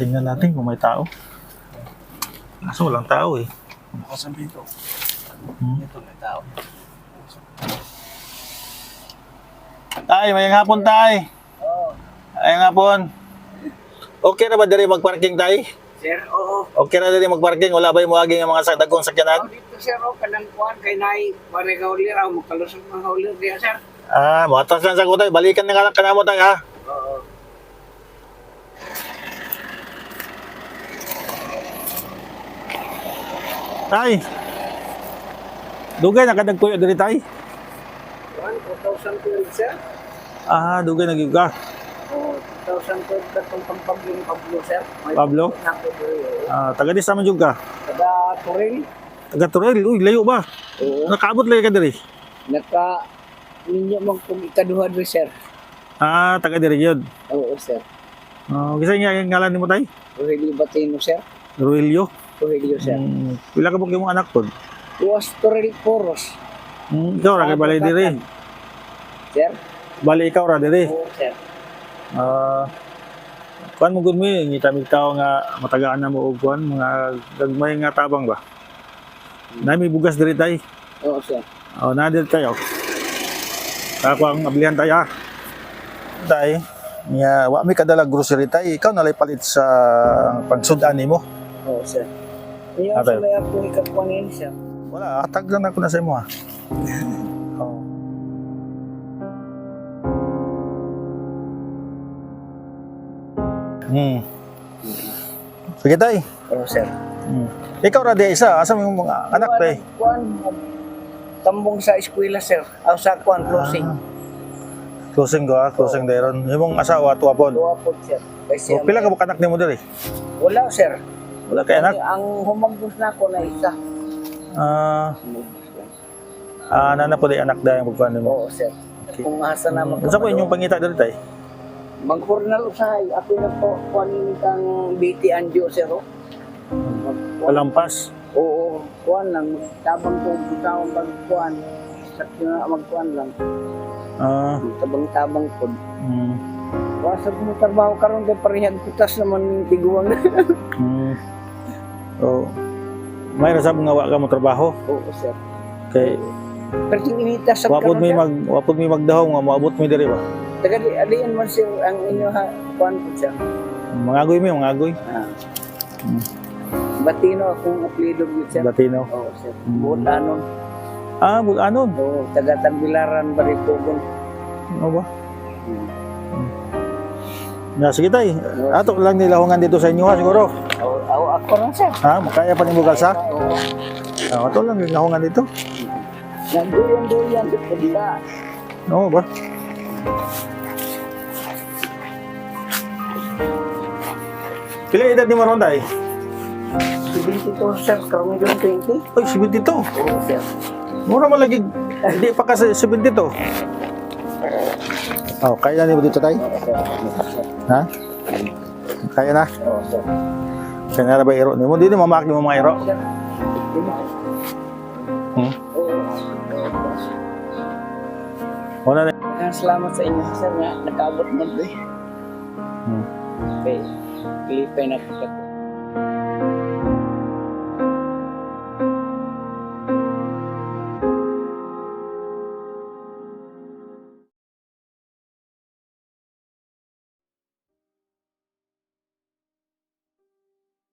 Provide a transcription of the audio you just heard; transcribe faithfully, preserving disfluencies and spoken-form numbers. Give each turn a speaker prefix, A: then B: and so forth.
A: Tingnan natin kung may tao. Kaso walang tao eh.
B: Nakasabihin ko.
A: Hmm.
B: Ito may tao.
A: Tay, may hapon tay.
B: Oo.
A: Ay hapon. Okay na ba diri magparking tay?
B: Sir, oo.
A: Okay na diri magparking, wala ba yung muaging ang mga dagkong sakyanan?
B: Oh, dito sir, oh, kanang kuhan kay Nay. Pare ka ulir, ako magkalusog mga ulir diya sir.
A: Ah, mo atas lang sa ko tay, balikan na ka kanamo tay ha.
B: Oo.
A: Tay. Dugay na kadagkuyo diri tay.
B: Kuhan, two thousand twelve sir.
A: Ah, dugay na gyud ka.
B: Oo, two thousand twelve katong pampagyong Pablo sir. May
A: Pablo?
B: Nako diri.
A: Ah, taga di sa man jud ka.
B: Kada Turil.
A: Taga Turel, uy, layo ba?
B: Oo.
A: Nakaabot lagi ka diri.
B: Naka ninyo mang kung ikaduha diri sir.
A: Ah, taga diri gyud.
B: Oo sir.
A: Ah, gisa nga ang ngalan nimo tay?
B: Turil Batino sir.
A: Ruelio.
B: Turil sir.
A: Hmm, pila ka pug imong anak pod?
B: Tuwas Turil Poros.
A: Hmm, ikaw ra kay bali diri.
B: Sir.
A: Bali ikaw ra diri.
B: Oo sir.
A: Ah, kuan mo gud mi ngita mi tao nga matagaan na mo og kuan mga gagmay nga tabang ba. Na may bugas diri tay.
B: Oo sir.
A: Oh, na diri tayo. Ako ang ablihan tayo ha. Tay, nya wa mi kadala grocery tay, ikaw nalay palit sa pagsudan nimo.
B: Oo sir. Ngayon
A: Ate.
B: sa may ako ikakuhanin sir.
A: Wala, atag lang ako na sa imo ha. Oh. Hmm. Sige tay.
B: Oo sir.
A: Hmm. Ikaw ra di isa, asa mo yung mga anak tay?
B: Kuan, tambong sa eskwela sir. Aw sa kuan closing.
A: Ah. Closing ko ha, closing dayron. Imong asawa tuwa pod.
B: Duwa po sir. Kasi
A: O, pila ka ba anak nimo diri?
B: wala sir.
A: Wala kay anak.
B: Ang humambos na ako na isa.
A: Ah, ah nana po di anak dayang pagkuan nimo.
B: Oo sir. Kung asa na mag
A: Unsa po inyong pangita diri tay?
B: Magkurnal usahay. Ako na po kuanin kang B T Anjo sir. oh. Magkuan-
A: Kalampas.
B: Oo, kuan lang. Tabang ko butawang magkuan. Sakto na magkuan lang.
A: Ah,
B: Tabang-tabang po.
A: mm,
B: Wasag mo trabaho karon kay parehag kutas naman tiguang.
A: mm. So, may rasab nga wa ka mo trabaho
B: Oo sir.
A: kay
B: Pero inita sa
A: wapod mi
B: sir.
A: mag wapod mi magdahaw nga moabot mi diri ba.
B: Taga di alian man sir ang inyo ha kuan po sir.
A: Mangagoy mi, mangagoy.
B: Ah.
A: Mm.
B: Batino akong apelyido gyud sir.
A: Latino.
B: Oo sir.
A: Mm.
B: Bulanon.
A: Ah, bulanon.
B: Oo, taga Tagbilaran Baripogon.
A: Ano ba? Na sige tay. Ato lang nilahungan dito sa inyo ha siguro.
B: Oo, ako ako rin sir.
A: Ha, makaya pa nimo galsa?
B: Oo.
A: Ah, ato lang nilahungan dito.
B: Nagduyan-duyan sa pagka.
A: Oo ba? Pila edad ni mo ron tay?
B: seventy-two sir, karong yun twenty.
A: Ay, seventy-two.
B: Oo sir.
A: Mura man lagi. Hindi pa ka sa seventy-two. Oh, kaya na mo dito tay?
B: Oo sir.
A: Ha? Kaya na?
B: Oo sir.
A: Kaya na ba iro nimo? Di ni mamak ni mo mga iro.
B: Sir.
A: Hmm?
B: Oo.
A: Wala na.
B: Maraming salamat sa inyo sir nga nakaabot mo doy.
A: Hmm.
B: Okay. Kilipay na kita.